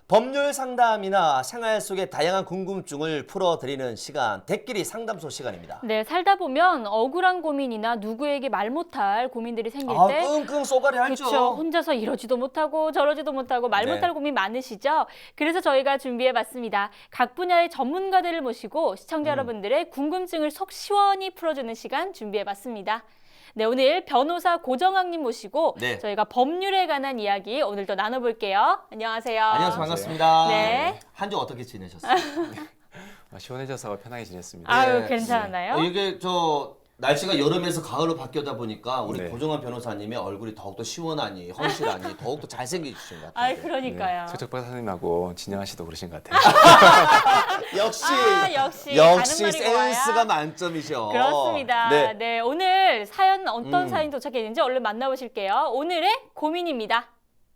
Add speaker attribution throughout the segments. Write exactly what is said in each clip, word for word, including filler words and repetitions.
Speaker 1: 법률 상담이나 생활 속의 다양한 궁금증을 풀어드리는 시간, 대끼리 상담소 시간입니다.
Speaker 2: 네, 살다 보면 억울한 고민이나 누구에게 말 못할 고민들이 생길
Speaker 1: 아,
Speaker 2: 때
Speaker 1: 끙끙 쏘가리 하죠.
Speaker 2: 그렇죠. 혼자서 이러지도 못하고 저러지도 못하고 말
Speaker 1: 네.
Speaker 2: 못할 고민 많으시죠? 그래서 저희가 준비해봤습니다. 각 분야의 전문가들을 모시고 시청자
Speaker 1: 음.
Speaker 2: 여러분들의 궁금증을 속 시원히 풀어주는 시간 준비해봤습니다. 네, 오늘 변호사 고정학님 모시고
Speaker 1: 네.
Speaker 2: 저희가 법률에 관한 이야기 오늘도 나눠볼게요. 안녕하세요.
Speaker 1: 안녕하세요. 반갑습니다.
Speaker 2: 네.
Speaker 1: 한 주 어떻게 지내셨어요?
Speaker 3: 아, 시원해져서 편하게 지냈습니다.
Speaker 2: 아유,
Speaker 1: 네.
Speaker 2: 괜찮았나요?
Speaker 1: 어, 이게 저 날씨가 여름에서 가을로 바뀌다 보니까 우리
Speaker 3: 네.
Speaker 1: 고정환 변호사님의 얼굴이 더욱더 시원하니 헌실하니 더욱더 잘생기신 것 같아요.
Speaker 2: 아유, 그러니까요.
Speaker 3: 최적 박사님하고 진영아 씨도 그러신 것 같아요.
Speaker 1: 역시
Speaker 2: 아, 역시
Speaker 1: 역시
Speaker 2: 가는 말이 고와야.
Speaker 1: 센스가 만점이셔.
Speaker 2: 그렇습니다.
Speaker 1: 네.
Speaker 2: 네. 오늘 사연 어떤
Speaker 1: 음.
Speaker 2: 사연이 도착했는지 얼른 만나보실게요. 오늘의 고민입니다.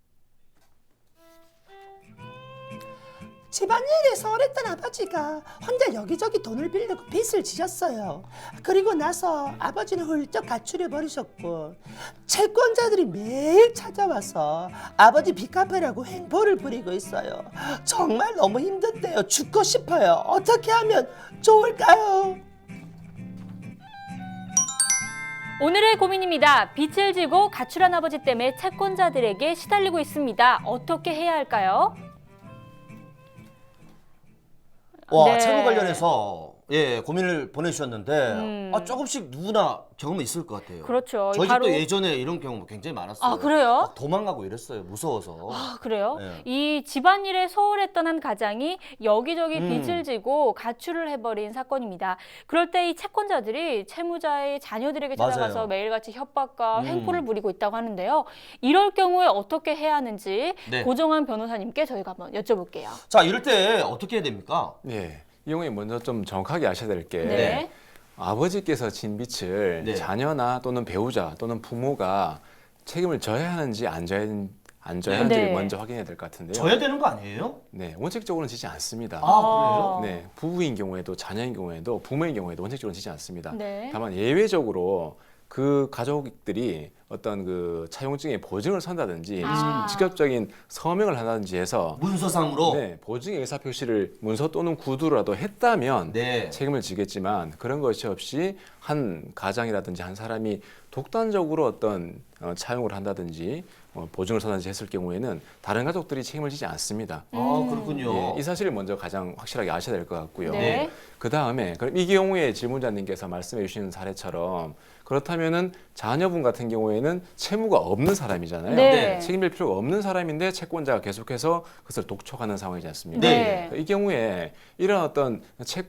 Speaker 4: 집안일에 소홀했던 아버지가 혼자 여기저기 돈을 빌리고 빚을 지셨어요. 그리고 나서 아버지는 훌쩍 가출해 버리셨고 채권자들이 매일 찾아와서 아버지 빚 갚으라고 행보를 부리고 있어요. 정말 너무 힘든데요. 죽고 싶어요. 어떻게 하면 좋을까요?
Speaker 2: 오늘의 고민입니다. 빚을 지고 가출한 아버지 때문에 채권자들에게 시달리고 있습니다. 어떻게 해야 할까요?
Speaker 1: 와,
Speaker 2: 네.
Speaker 1: 채무 관련해서 예 고민을 보내주셨는데
Speaker 2: 음.
Speaker 1: 아, 조금씩 누구나 경험이 있을 것 같아요.
Speaker 2: 그렇죠.
Speaker 1: 저희
Speaker 2: 바로-
Speaker 1: 집도 예전에 이런 경우 굉장히 많았어요.
Speaker 2: 아, 그래요?
Speaker 1: 막 도망가고 이랬어요. 무서워서.
Speaker 2: 아, 그래요?
Speaker 1: 네.
Speaker 2: 이 집안일에 소홀했던 한 가장이 여기저기
Speaker 1: 음.
Speaker 2: 빚을 지고 가출을 해버린 사건입니다. 그럴 때 이 채권자들이 채무자의 자녀들에게
Speaker 1: 맞아요.
Speaker 2: 찾아가서 매일같이 협박과
Speaker 1: 음.
Speaker 2: 횡포를 부리고 있다고 하는데요. 이럴 경우에 어떻게 해야 하는지
Speaker 1: 네.
Speaker 2: 고정환 변호사님께 저희가 한번 여쭤볼게요.
Speaker 1: 자, 이럴 때 어떻게 해야 됩니까?
Speaker 3: 예. 이 경우에 먼저 좀 정확하게 아셔야 될 게
Speaker 2: 네.
Speaker 3: 아버지께서 진 빚을
Speaker 1: 네.
Speaker 3: 자녀나 또는 배우자 또는 부모가 책임을 져야 하는지 안 져야, 안 져야 하는지를
Speaker 2: 네.
Speaker 3: 먼저 확인해야 될 것 같은데요.
Speaker 1: 져야 되는 거 아니에요?
Speaker 3: 네, 원칙적으로는 지지 않습니다.
Speaker 1: 아, 그래요?
Speaker 3: 네, 부부인 경우에도 자녀인 경우에도 부모인 경우에도 원칙적으로 지지 않습니다.
Speaker 2: 네.
Speaker 3: 다만 예외적으로 그 가족들이 어떤 그 차용증의 보증을 선다든지
Speaker 2: 아.
Speaker 3: 직접적인 서명을 한다든지 해서
Speaker 1: 문서상으로.
Speaker 3: 네, 보증의 의사 표시를 문서 또는 구두라도 했다면
Speaker 1: 네.
Speaker 3: 책임을 지겠지만 그런 것이 없이 한 가장이라든지 한 사람이 독단적으로 어떤 어, 차용을 한다든지 어, 보증을 선다든지 했을 경우에는 다른 가족들이 책임을 지지 않습니다.
Speaker 1: 아, 그렇군요.
Speaker 3: 예, 이 사실을 먼저 가장 확실하게 아셔야 될 것 같고요.
Speaker 2: 네.
Speaker 3: 그 다음에 그럼 이 경우에 질문자님께서 말씀해 주시는 사례처럼 그렇다면은 자녀분 같은 경우에는 채무가 없는 사람이잖아요.
Speaker 2: 네.
Speaker 3: 책임질 필요가 없는 사람인데 채권자가 계속해서 그것을 독촉하는 상황이지 않습니까?
Speaker 2: 네.
Speaker 3: 이 경우에 이런 어떤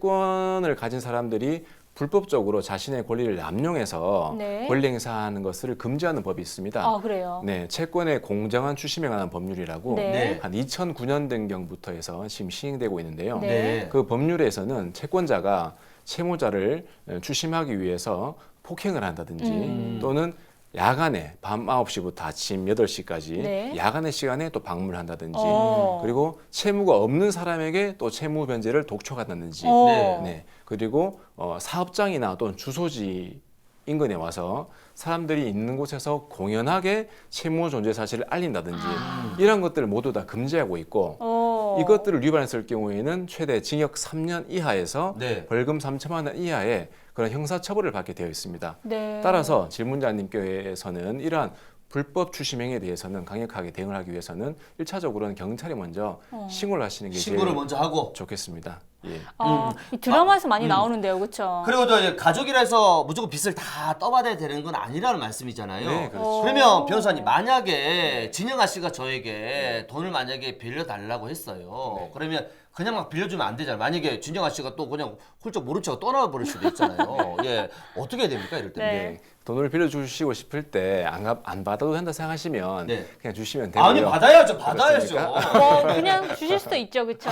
Speaker 3: 채권을 가진 사람들이 불법적으로 자신의 권리를 남용해서
Speaker 2: 네.
Speaker 3: 권리 행사하는 것을 금지하는 법이 있습니다.
Speaker 2: 아, 그래요?
Speaker 3: 네, 채권의 공정한 추심에 관한 법률이라고
Speaker 2: 네.
Speaker 1: 네.
Speaker 3: 한 이천구 년 된경부터 해서 지금 시행되고 있는데요.
Speaker 2: 네.
Speaker 1: 네.
Speaker 3: 그 법률에서는 채권자가 채무자를 추심하기 위해서 폭행을 한다든지
Speaker 2: 음.
Speaker 3: 또는 야간에 밤 아홉 시부터 아침 여덟 시까지
Speaker 2: 네.
Speaker 3: 야간의 시간에 또 방문을 한다든지
Speaker 2: 어.
Speaker 3: 그리고 채무가 없는 사람에게 또 채무 변제를 독촉한다든지
Speaker 2: 어.
Speaker 1: 네.
Speaker 3: 네. 그리고 어, 사업장이나 또는 주소지 인근에 와서 사람들이 있는 곳에서 공연하게 채무 존재 사실을 알린다든지
Speaker 2: 아.
Speaker 3: 이런 것들을 모두 다 금지하고 있고
Speaker 2: 어.
Speaker 3: 이것들을 위반했을 경우에는 최대 징역 삼 년 이하에서
Speaker 1: 네.
Speaker 3: 벌금 삼천만 원 이하의 그런 형사처벌을 받게 되어 있습니다.
Speaker 2: 네.
Speaker 3: 따라서 질문자님께서는 이러한 불법 추심 행위에 대해서는 강력하게 대응을 하기 위해서는 일차적으로는 경찰에 먼저
Speaker 2: 어.
Speaker 3: 신고를 하시는 게
Speaker 1: 신고를
Speaker 3: 제일
Speaker 1: 먼저 하고.
Speaker 3: 좋겠습니다. 예.
Speaker 2: 아,
Speaker 1: 음.
Speaker 2: 이 드라마에서 많이
Speaker 1: 음.
Speaker 2: 나오는데요, 그렇죠?
Speaker 1: 그리고 또 이제 가족이라서 무조건 빚을 다 떠받아야 되는 건 아니라는 말씀이잖아요.
Speaker 3: 네, 그렇죠.
Speaker 1: 그러면 변호사님 만약에 진영아 씨가 저에게 돈을 만약에 빌려달라고 했어요.
Speaker 3: 네.
Speaker 1: 그러면 그냥 막 빌려주면 안 되잖아요. 만약에 진영아 씨가 또 그냥 훌쩍 모른 척 떠나 버릴 수도 있잖아요. 예, 어떻게 해야 됩니까 이럴 때?
Speaker 2: 네.
Speaker 3: 네. 돈을 빌려주시고 싶을 때 안 안 받아도 된다 생각하시면
Speaker 1: 네.
Speaker 3: 그냥 주시면 되고요.
Speaker 1: 아니 받아야죠, 받아야죠.
Speaker 3: 그렇습니까?
Speaker 2: 뭐 그냥 주실 수도 있죠, 그렇죠?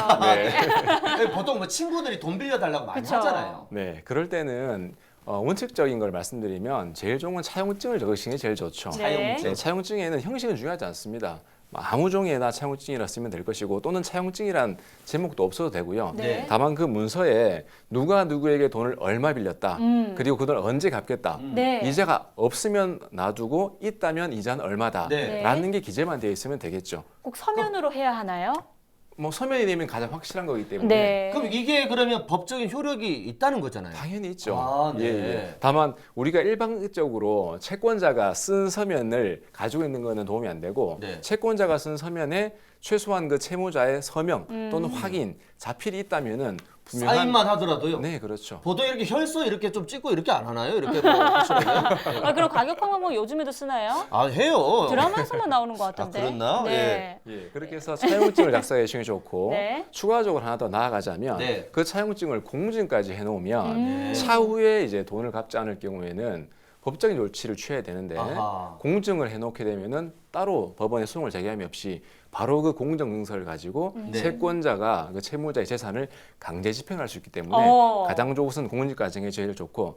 Speaker 3: 네.
Speaker 1: 보통 뭐 친구들이 돈 빌려달라고 많이
Speaker 2: 그쵸.
Speaker 1: 하잖아요.
Speaker 3: 네, 그럴 때는 어, 원칙적인 걸 말씀드리면 제일 좋은 건 차용증을 적으시는 게 제일 좋죠.
Speaker 2: 네.
Speaker 1: 차용증.
Speaker 3: 네, 차용증에는 형식은 중요하지 않습니다. 뭐 아무 종이에나 차용증이라 쓰면 될 것이고 또는 차용증이란 제목도 없어도 되고요.
Speaker 2: 네.
Speaker 3: 다만 그 문서에 누가 누구에게 돈을 얼마 빌렸다.
Speaker 2: 음.
Speaker 3: 그리고 그 돈을 언제 갚겠다.
Speaker 1: 음.
Speaker 2: 네.
Speaker 3: 이자가 없으면 놔두고 있다면 이자는 얼마다.
Speaker 1: 네.
Speaker 3: 라는 게 기재만 되어 있으면 되겠죠.
Speaker 2: 꼭 서면으로 해야 하나요?
Speaker 3: 뭐 서면이 되면 가장 확실한 거기 때문에
Speaker 2: 네.
Speaker 1: 그럼 이게 그러면 법적인 효력이 있다는 거잖아요.
Speaker 3: 당연히 있죠.
Speaker 1: 아, 네.
Speaker 3: 예, 예. 다만 우리가 일방적으로 채권자가 쓴 서면을 가지고 있는 거는 도움이 안 되고
Speaker 1: 네.
Speaker 3: 채권자가 쓴 서면에 최소한 그 채무자의 서명 또는
Speaker 2: 음.
Speaker 3: 확인, 자필이 있다면은 분명한
Speaker 1: 사인만 하더라도요.
Speaker 3: 네, 그렇죠.
Speaker 1: 보통 이렇게 혈서 이렇게 좀 찍고 이렇게 안 하나요? 이렇게 뭐 하시면요?
Speaker 2: 아, 그럼 가격판 방법 요즘에도 쓰나요?
Speaker 1: 아 해요.
Speaker 2: 드라마에서만 나오는 것 같은데.
Speaker 1: 아, 그랬나?
Speaker 2: 네.
Speaker 3: 예, 그렇게 해서 차용증을 작성해 주시는 게 좋고
Speaker 2: 네.
Speaker 3: 추가적으로 하나 더 나아가자면
Speaker 1: 네.
Speaker 3: 그 차용증을 공증까지 해놓으면
Speaker 2: 음.
Speaker 3: 차후에 이제 돈을 갚지 않을 경우에는 법적인 조치를 취해야 되는데
Speaker 1: 아하.
Speaker 3: 공증을 해놓게 되면은 따로 법원에 소송을 제기함이 없이 바로 그 공정 증서를 가지고
Speaker 1: 네.
Speaker 3: 채권자가 그 채무자의 재산을 강제 집행할 수 있기 때문에
Speaker 2: 어.
Speaker 3: 가장 좋은 공증 과정이 제일 좋고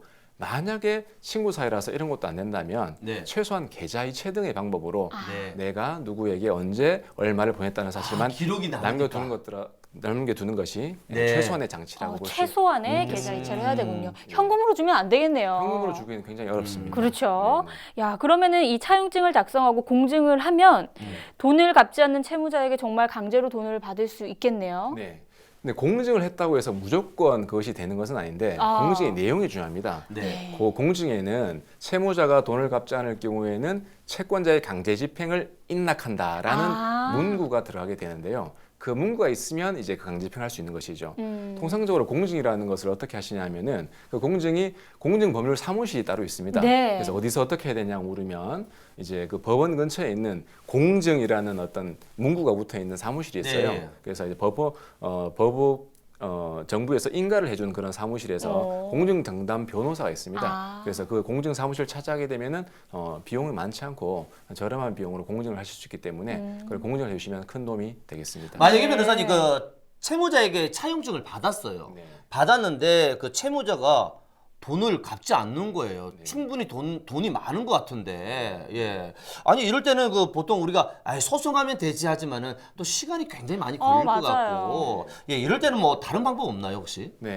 Speaker 3: 만약에 친구 사이라서 이런 것도 안 된다면
Speaker 1: 네.
Speaker 3: 최소한 계좌이체 등의 방법으로
Speaker 1: 네.
Speaker 3: 내가 누구에게 언제 얼마를 보냈다는 사실만
Speaker 1: 아, 기록이 나오니까.
Speaker 3: 남겨두는 것들 남겨두는 것이
Speaker 1: 네.
Speaker 3: 최소한의 장치라고
Speaker 2: 어,
Speaker 3: 볼 수.
Speaker 2: 최소한의
Speaker 3: 음.
Speaker 2: 계좌 이체를 해야 되군요.
Speaker 3: 음.
Speaker 2: 현금으로 주면 안 되겠네요.
Speaker 3: 현금으로 주기는 굉장히 어렵습니다.
Speaker 2: 그렇죠.
Speaker 3: 네,
Speaker 2: 야, 그러면은 이 차용증을 작성하고 공증을 하면
Speaker 1: 음.
Speaker 2: 돈을 갚지 않는 채무자에게 정말 강제로 돈을 받을 수 있겠네요.
Speaker 3: 네. 네. 근데 공증을 했다고 해서 무조건 그것이 되는 것은 아닌데
Speaker 2: 아.
Speaker 3: 공증의 내용이 중요합니다.
Speaker 1: 네.
Speaker 3: 그 공증에는 채무자가 돈을 갚지 않을 경우에는 채권자의 강제 집행을 인락한다라는
Speaker 2: 아.
Speaker 3: 문구가 들어가게 되는데요. 그 문구가 있으면 이제 그 강제 집행할 수 있는 것이죠.
Speaker 2: 음.
Speaker 3: 통상적으로 공증이라는 것을 어떻게 하시냐면은 그 공증이 공증 법률 사무실이 따로 있습니다.
Speaker 2: 네.
Speaker 3: 그래서 어디서 어떻게 해야 되냐고 물으면 이제 그 법원 근처에 있는 공증이라는 어떤 문구가 붙어 있는 사무실이 있어요.
Speaker 1: 네.
Speaker 3: 그래서 이제 법원 어 법원 어, 정부에서 인가를 해준 그런 사무실에서
Speaker 2: 어.
Speaker 3: 공증정담 변호사가 있습니다.
Speaker 2: 아.
Speaker 3: 그래서 그 공증 사무실 찾아가게 되면은 어, 비용이 많지 않고 저렴한 비용으로 공증을 하실 수 있기 때문에
Speaker 2: 음.
Speaker 3: 그걸 공증을 해주시면 큰 도움이 되겠습니다.
Speaker 1: 만약에
Speaker 2: 네.
Speaker 1: 변호사님 그 채무자에게 차용증을 받았어요.
Speaker 3: 네.
Speaker 1: 받았는데 그 채무자가 돈을 갚지 않는 거예요.
Speaker 3: 네.
Speaker 1: 충분히 돈 돈이 많은 것 같은데, 예. 아니 이럴 때는 그 보통 우리가 아 소송하면 되지 하지만은 또 시간이 굉장히 많이
Speaker 2: 어,
Speaker 1: 걸릴 것
Speaker 2: 맞아요.
Speaker 1: 같고, 예. 이럴 때는 뭐 다른 방법 없나요 혹시?
Speaker 3: 네,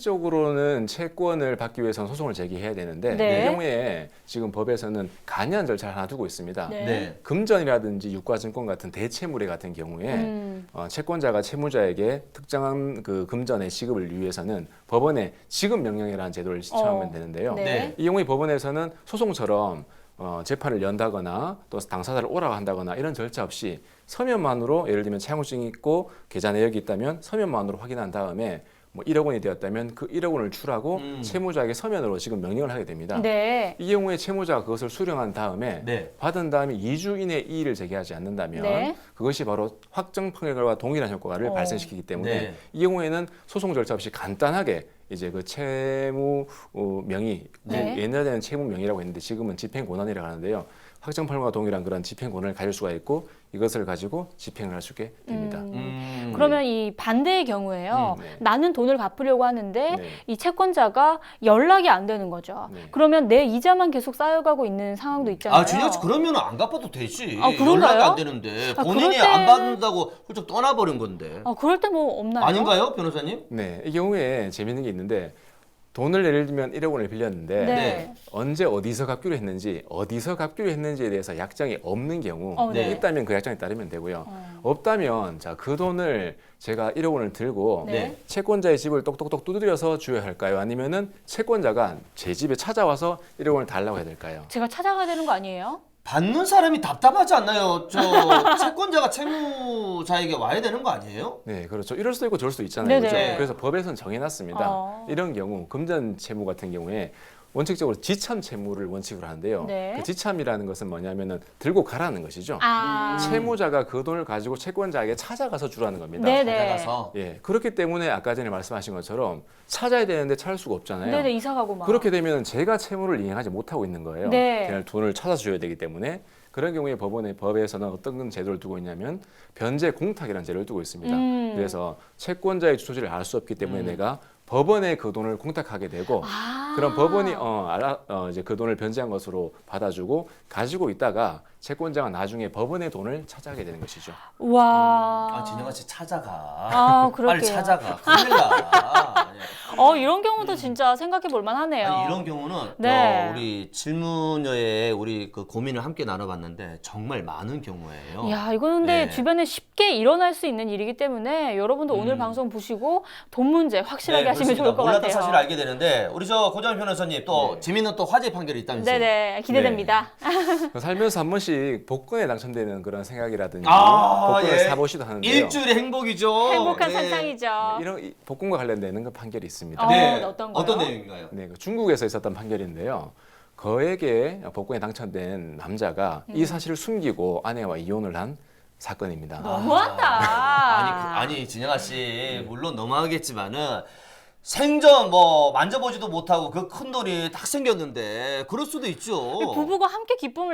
Speaker 3: 원칙적으로는 채권을 받기 위해서는 소송을 제기해야 되는데
Speaker 2: 네.
Speaker 3: 이 경우에 지금 법에서는 간이한 절차를 하나 두고 있습니다.
Speaker 2: 네.
Speaker 3: 금전이라든지 유가증권 같은 대채무례 같은 경우에
Speaker 2: 음.
Speaker 3: 어, 채권자가 채무자에게 특정한 그 금전의 지급을 위해서는 법원에 지급 명령이라는 제도를 시청하면
Speaker 2: 어.
Speaker 3: 되는데요.
Speaker 2: 네.
Speaker 1: 네.
Speaker 3: 이 경우에 법원에서는 소송처럼 어, 재판을 연다거나 또 당사자를 오라고 한다거나 이런 절차 없이 서면만으로 예를 들면 차용증이 있고 계좌 내역이 있다면 서면만으로 확인한 다음에 뭐 일억 원이 되었다면 그 일억 원을 출하고
Speaker 1: 음.
Speaker 3: 채무자에게 서면으로 지금 명령을 하게 됩니다.
Speaker 2: 네.
Speaker 3: 이 경우에 채무자가 그것을 수령한 다음에
Speaker 1: 네.
Speaker 3: 받은 다음에 이 주 이내에 이의를 제기하지 않는다면
Speaker 2: 네.
Speaker 3: 그것이 바로 확정 판결과 동일한 효과를
Speaker 2: 어.
Speaker 3: 발생시키기 때문에
Speaker 1: 네.
Speaker 3: 이 경우에는 소송 절차 없이 간단하게 이제 그 채무 어, 명의
Speaker 2: 네.
Speaker 3: 그 옛날에는 채무 명의라고 했는데 지금은 집행 권한이라고 하는데요. 확정 판결과 동일한 그런 집행 권한을 가질 수가 있고 이것을 가지고 집행을 할 수 있게 됩니다.
Speaker 2: 음.
Speaker 1: 음.
Speaker 2: 그러면 이 반대의 경우에요.
Speaker 3: 음, 네.
Speaker 2: 나는 돈을 갚으려고 하는데
Speaker 3: 네.
Speaker 2: 이 채권자가 연락이 안 되는 거죠.
Speaker 3: 네.
Speaker 2: 그러면 내 이자만 계속 쌓여가고 있는 상황도 있잖아요.
Speaker 1: 아 준혁 씨 그러면 안 갚아도 되지.
Speaker 2: 아, 그런가요?
Speaker 1: 연락이 안 되는데
Speaker 2: 아,
Speaker 1: 본인이
Speaker 2: 그럴
Speaker 1: 안
Speaker 2: 때는-
Speaker 1: 받는다고 훌쩍 떠나버린 건데.
Speaker 2: 아, 그럴 때 뭐 없나요?
Speaker 1: 아닌가요, 변호사님?
Speaker 3: 네, 이 경우에 재밌는 게 있는데 돈을 예를 들면 일억 원을 빌렸는데
Speaker 2: 네.
Speaker 1: 네.
Speaker 3: 언제 어디서 갚기로 했는지 어디서 갚기로 했는지에 대해서 약정이 없는 경우
Speaker 2: 어,
Speaker 1: 네.
Speaker 3: 있다면 그 약정에 따르면 되고요.
Speaker 2: 어.
Speaker 3: 없다면 자 그 돈을 제가 일억 원을 들고
Speaker 2: 네.
Speaker 3: 채권자의 집을 똑똑똑 두드려서 줘야 할까요? 아니면은 채권자가 제 집에 찾아와서 일억 원을 달라고 해야 될까요?
Speaker 2: 제가 찾아가야 되는 거 아니에요?
Speaker 1: 받는 사람이 답답하지 않나요? 저 채권자가 채무자에게 와야 되는 거 아니에요?
Speaker 3: 네, 그렇죠. 이럴 수도 있고 저럴 수도 있잖아요.
Speaker 2: 네네.
Speaker 3: 그렇죠? 그래서 법에서는 정해놨습니다.
Speaker 2: 어.
Speaker 3: 이런 경우 금전 채무 같은 경우에 원칙적으로 지참 채무를 원칙으로 하는데요.
Speaker 2: 네.
Speaker 3: 그 지참이라는 것은 뭐냐면은 들고 가라는 것이죠.
Speaker 2: 아.
Speaker 3: 채무자가 그 돈을 가지고 채권자에게 찾아가서 주라는 겁니다.
Speaker 2: 네네.
Speaker 1: 찾아가서.
Speaker 3: 예, 그렇기 때문에 아까 전에 말씀하신 것처럼 찾아야 되는데 찾을 수가 없잖아요.
Speaker 2: 네네, 이사 가고 막.
Speaker 3: 그렇게 되면 제가 채무를 이행하지 못하고 있는 거예요.
Speaker 2: 네.
Speaker 3: 그냥 돈을 찾아줘야 되기 때문에 그런 경우에 법원의 법에서는 어떤 제도를 두고 있냐면 변제 공탁이라는 제도를 두고 있습니다.
Speaker 2: 음.
Speaker 3: 그래서 채권자의 주소지를 알 수 없기 때문에
Speaker 1: 음.
Speaker 3: 내가 법원에 그 돈을 공탁하게 되고
Speaker 2: 아.
Speaker 3: 그럼 법원이 어, 알아, 어, 이제 그 돈을 변제한 것으로 받아주고 가지고 있다가 채권자가 나중에 법원의 돈을 찾아가게 되는 것이죠.
Speaker 2: 와.
Speaker 1: 아 진영아 씨 찾아가.
Speaker 2: 아, 그럴게요.
Speaker 1: 빨리 찾아가. 큰일 나.
Speaker 2: 어, 이런 경우도 진짜 생각해 볼 만하네요.
Speaker 1: 아니, 이런 경우는
Speaker 2: 네.
Speaker 1: 어, 우리 질문여에 우리 그 고민을 함께 나눠봤는데 정말 많은 경우예요.
Speaker 2: 야, 이거는 근데
Speaker 1: 네.
Speaker 2: 주변에 쉽게 일어날 수 있는 일이기 때문에 여러분도 오늘
Speaker 1: 음.
Speaker 2: 방송 보시고 돈 문제 확실하게
Speaker 1: 네,
Speaker 2: 하시면
Speaker 1: 그렇습니다.
Speaker 2: 좋을 것
Speaker 1: 몰랐던
Speaker 2: 같아요.
Speaker 1: 사실을 알게 되는데 우리 저 고정현 변호사님 또
Speaker 3: 네.
Speaker 1: 재밌는 또 화제 판결이 있다면서요?
Speaker 2: 네네, 기대됩니다.
Speaker 3: 살면서 한 번씩 복권에 당첨되는 그런 생각이라든지
Speaker 1: 아,
Speaker 3: 복권을
Speaker 1: 예.
Speaker 3: 사보시도 하는데요.
Speaker 1: 일주일의 행복이죠.
Speaker 2: 행복한
Speaker 1: 네.
Speaker 2: 상상이죠.
Speaker 3: 네, 이런 이- 복권과 관련되는 그 판결이 있습니다.
Speaker 2: 어,
Speaker 1: 네.
Speaker 2: 어떤 거요?
Speaker 1: 어떤 내용인가요?
Speaker 3: 네, 그 중국에서 있었던 판결인데요. 거액의 복권에 당첨된 남자가
Speaker 2: 음.
Speaker 3: 이 사실을 숨기고 아내와 이혼을 한 사건입니다.
Speaker 2: 너무한다.
Speaker 1: 아니, 그, 아니 진영아 씨 물론 너무하겠지만은 생전 뭐 만져보지도 못하고 그 큰 돈이 딱 생겼는데 그럴 수도 있죠.
Speaker 2: 부부가 함께 기쁨을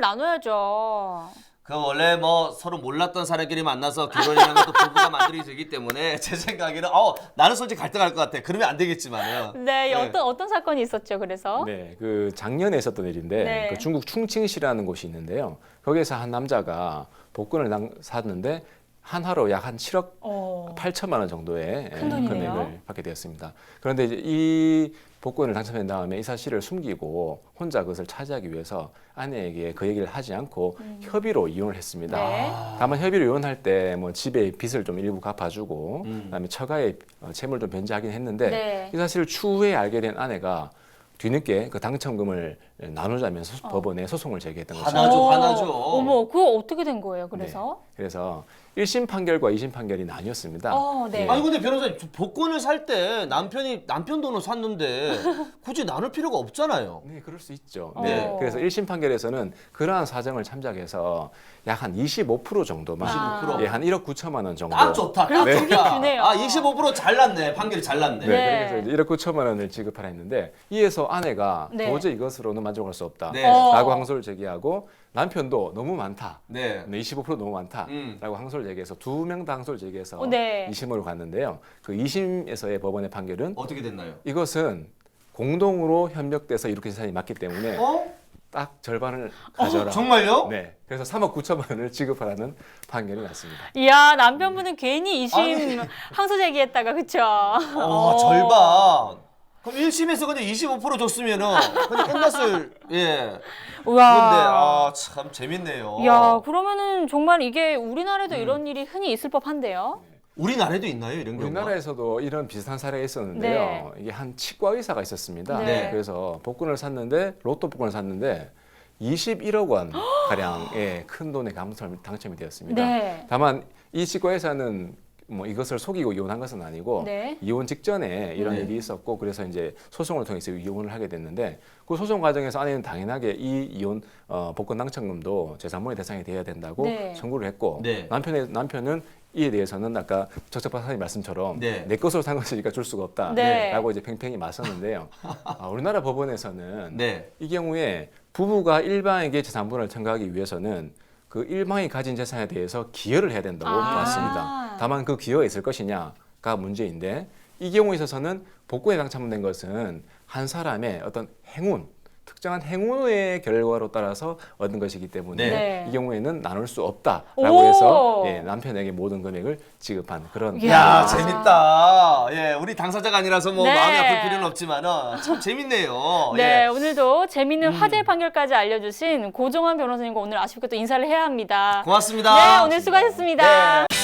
Speaker 2: 나눠야죠.
Speaker 1: 그 원래 뭐 서로 몰랐던 사람끼리 만나서 결혼이라는 것도 부부가 만들어지기 때문에 제 생각에는 어 나는 솔직히 갈등할 것 같아. 그러면 안 되겠지만은.
Speaker 2: 네,
Speaker 1: 네.
Speaker 2: 어떤 어떤 사건이 있었죠. 그래서
Speaker 3: 네, 그 작년에 있었던 일인데
Speaker 2: 네.
Speaker 3: 그 중국 충칭시라는 곳이 있는데요. 거기에서 한 남자가 복권을 당- 샀는데 한화로 약 한 칠억
Speaker 2: 어,
Speaker 3: 팔천만 원 정도의
Speaker 2: 큰 돈이네요.
Speaker 3: 금액을 받게 되었습니다. 그런데 이제 이 복권을 당첨한 다음에 이 사실을 숨기고 혼자 그것을 차지하기 위해서 아내에게 그 얘기를 하지 않고 협의로 이혼을 했습니다.
Speaker 2: 음. 네.
Speaker 3: 다만 협의로 이혼할 때 뭐 집에 빚을 좀 일부 갚아주고
Speaker 1: 음.
Speaker 3: 그다음에 처가의 어, 채무를 좀 변제하긴 했는데
Speaker 2: 네.
Speaker 3: 이 사실을 추후에 알게 된 아내가 뒤늦게 그 당첨금을 나누자면서 법원에 소송을 제기했던 거죠.
Speaker 1: 하나- 화나죠,
Speaker 2: 어,
Speaker 1: 화나죠.
Speaker 2: 어머, 그거 어떻게 된 거예요? 그래서
Speaker 3: 그래서 일 심 판결과 이 심 판결이 나뉘었습니다.
Speaker 2: 어, 네.
Speaker 3: 예.
Speaker 1: 아니 근데 변호사님 저 복권을 살 때 남편이 남편 돈을 샀는데 굳이 나눌 필요가 없잖아요.
Speaker 3: 네, 그럴 수 있죠.
Speaker 2: 어.
Speaker 3: 네, 그래서 일 심 판결에서는 그러한 사정을 참작해서 약 한 이십오 퍼센트 정도만,
Speaker 2: 이십오 퍼센트?
Speaker 3: 예, 한 일억 구천만 원 정도.
Speaker 1: 딱 좋다. 딱
Speaker 2: 그래도
Speaker 1: 좋다.
Speaker 2: 주긴 주네요.
Speaker 1: 아 이십오 퍼센트 잘났네. 판결이 잘났네.
Speaker 3: 네,
Speaker 2: 네.
Speaker 3: 그래서 이제 일억 구천만 원을 지급하라 했는데 이에서 아내가
Speaker 2: 네.
Speaker 3: 도저히 이것으로는 만족할 수 없다.
Speaker 1: 네.
Speaker 2: 어.
Speaker 3: 라고 항소를 제기하고 남편도 너무 많다.
Speaker 1: 네.
Speaker 3: 네, 이십오 퍼센트 너무 많다.
Speaker 1: 음.
Speaker 3: 라고 항소를 제기해서 두 명 다 항소를 제기해서
Speaker 2: 어, 네.
Speaker 3: 이 심으로 갔는데요. 그 이 심에서의 법원의 판결은
Speaker 1: 어떻게 됐나요?
Speaker 3: 이것은 공동으로 협력돼서 이룩한 재산이 맞기 때문에
Speaker 1: 어?
Speaker 3: 딱 절반을 가져라.
Speaker 1: 정말요?
Speaker 3: 네. 그래서 삼억 구천만 원을 지급하라는 판결이 났습니다.
Speaker 2: 이야, 남편분은 괜히 이심
Speaker 1: 아니.
Speaker 2: 항소 제기했다가 그쵸?
Speaker 1: 어, 절반. 그럼 일 심에서 근데 이십오 퍼센트 줬으면은 근데 끝났을 예.
Speaker 2: 우와.
Speaker 1: 그런데 아 참 재밌네요.
Speaker 2: 야, 그러면은 정말 이게 우리나라에도
Speaker 1: 음.
Speaker 2: 이런 일이 흔히 있을 법한데요.
Speaker 1: 우리나라에도 있나요 이런 경우가?
Speaker 3: 우리나라에서도 이런 비슷한 사례가 있었는데요.
Speaker 2: 네.
Speaker 3: 이게 한 치과 의사가 있었습니다.
Speaker 2: 네.
Speaker 3: 그래서 복권을 샀는데 로또 복권을 샀는데 이십일억 원 가량의 큰 돈의 당첨, 당첨이 되었습니다.
Speaker 2: 네.
Speaker 3: 다만 이 치과 의사는 뭐 이것을 속이고 이혼한 것은 아니고
Speaker 2: 네.
Speaker 3: 이혼 직전에 이런
Speaker 1: 네.
Speaker 3: 일이 있었고 그래서 이제 소송을 통해서 이혼을 하게 됐는데 그 소송 과정에서 아내는 당연하게 이 이혼 어, 복권 당첨금도 재산분의 대상이 되어야 된다고
Speaker 2: 네.
Speaker 3: 청구를 했고
Speaker 1: 네.
Speaker 3: 남편의 남편은 이에 대해서는 아까 적적 박사님 말씀처럼
Speaker 1: 네.
Speaker 3: 내 것으로 산 것이니까 줄 수가
Speaker 2: 네.
Speaker 3: 없다라고 이제 팽팽히 맞섰는데요. 아, 우리나라 법원에서는
Speaker 1: 네.
Speaker 3: 이 경우에 부부가 일방에게 재산분을 청구하기 위해서는 그 일방이 가진 재산에 대해서 기여를 해야 된다고
Speaker 2: 아.
Speaker 3: 봤습니다. 다만 그 기여가 있을 것이냐가 문제인데 이 경우에 있어서는 복권에 당첨된 것은 한 사람의 어떤 행운, 특정한 행운의 결과로 따라서 얻은 것이기 때문에
Speaker 2: 네.
Speaker 3: 이 경우에는 나눌 수 없다라고
Speaker 2: 오.
Speaker 3: 해서 예, 남편에게 모든 금액을 지급한 그런
Speaker 2: 이야.
Speaker 1: 야
Speaker 2: 아.
Speaker 1: 재밌다. 예, 우리 당사자가 아니라서 뭐
Speaker 2: 네.
Speaker 1: 마음이 아플 필요는 없지만은 참 재밌네요.
Speaker 2: 네,
Speaker 1: 예.
Speaker 2: 오늘도 재밌는
Speaker 1: 음.
Speaker 2: 화제 판결까지 알려주신 고종환 변호사님과 오늘 아쉽게 또 인사를 해야 합니다.
Speaker 1: 고맙습니다.
Speaker 2: 네, 오늘 수고하셨습니다.
Speaker 1: 네.